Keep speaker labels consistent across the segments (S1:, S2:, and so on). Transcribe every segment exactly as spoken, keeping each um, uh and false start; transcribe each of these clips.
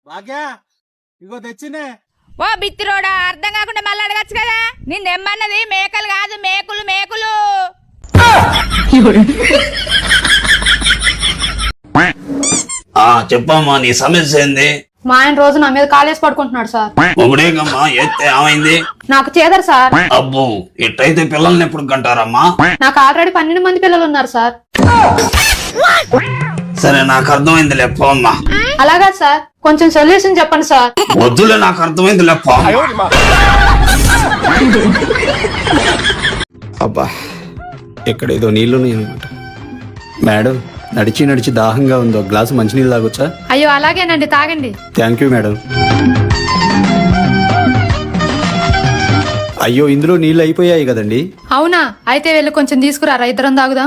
S1: భాగ్య ఇగో తెచ్చినే.
S2: ఓ బిత్తిరోడా, అర్థం కాకుండా మళ్ళీ అడగచ్చు కదా. నిన్నెమ్మన్నది మేకలు కాదు, మేకులు మేకులు.
S3: చెప్పమ్మా, నీ సమస్య ఏంది?
S4: మా ఆయన రోజు నా మీద కాలేసి పడుకుంటున్నాడు సార్.
S3: ఒకడేగమ్మా, ఎత్తే ఏమైంది?
S4: నాకు చేదరు సార్.
S3: అబ్బో, ఇట్టయితే పిల్లల్ని ఎప్పుడు కంటారమ్మా?
S4: నాకు ఆల్రెడీ పన్నెండు మంది పిల్లలు ఉన్నారు సార్.
S3: సరే, నాకు అర్థమైంది లేప్ప అమ్మా.
S4: అలాగా సార్, కొంచెం సొల్యూషన్ చెప్పండి సార్.
S3: వద్దులే, నాకు అర్థమైంది లేప్ప.
S5: అబ్బా, ఎక్కడేదో నీళ్లున్నాయి అనమాట. మేడం, నడిచి నడిచి దాహంగా ఉంది, ఒక గ్లాసు మంచినీళ్ళు తాగొచ్చా?
S4: అయ్యో అలాగేనండి, తాగండి.
S5: Thank you madam. అయ్యో, ఇందులో నీళ్ళు అయిపోయాయి కదండి.
S4: అవునా, అయితే వెళ్ళి కొంచెం తీసుకురారా, ఇద్దరం తాగుదాం.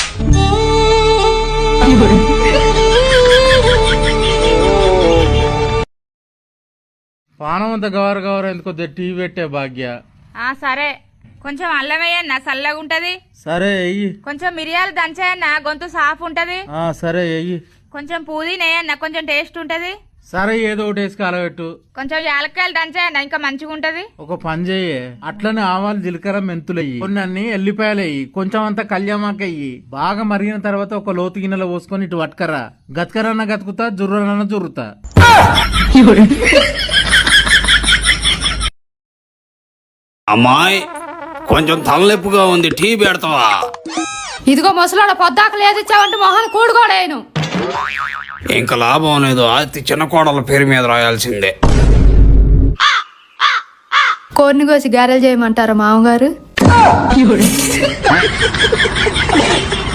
S1: పానం అంత గవర గవర ఎందుకో టీవీ పెట్టే భాగ్య.
S2: ఆ సరే, కొంచెం అల్లం వేయన్నా, చల్లగా ఉంటది.
S1: సరే ఎయ్యి.
S2: కొంచెం మిరియాలు దంచాయన్నా, గొంతు సాఫ్ ఉంటది.
S1: ఆ సరే ఎయ్యి.
S2: కొంచెం పుదీనా వేయన్నా, కొంచెం టేస్ట్ ఉంటది.
S1: సరే, ఏదో ఒకటి వేసి కలబెట్టు.
S2: కొంచెం యాలక్కాయలు దంచాయన్నా, ఇంకా మంచిగా ఉంటది.
S1: ఒక పని చెయ్యి, అట్లనే ఆవాలు జీలకర్ర మెంతులు అయ్యి, కొన్ని అన్ని ఎల్లిపాయలు అయ్యి, కొంచెం అంతా కళ్యామాక అయ్యి. బాగా మరిగిన తర్వాత ఒక లోతు గిన్నెలో పోసుకొని ఇటు పట్టుకరా. గతకరన్న గతుకుతా, జుర్రనన్న జుర్రుతా.
S3: అమ్మాయి, కొంచెం తలనొప్పిగా ఉంది, టీ పెడతావా?
S4: ఇదిగో ముసలాడ, పొద్దాక లేదు ఇచ్చావంటే మొహాన్ని కూడుకోడేను.
S3: ఇంకా లాభం లేదు, అతి చిన్న కోడల పేరు మీద రాయాల్సిందే.
S4: కోడిని కోసి గారెలు చేయమంటారా మామగారు?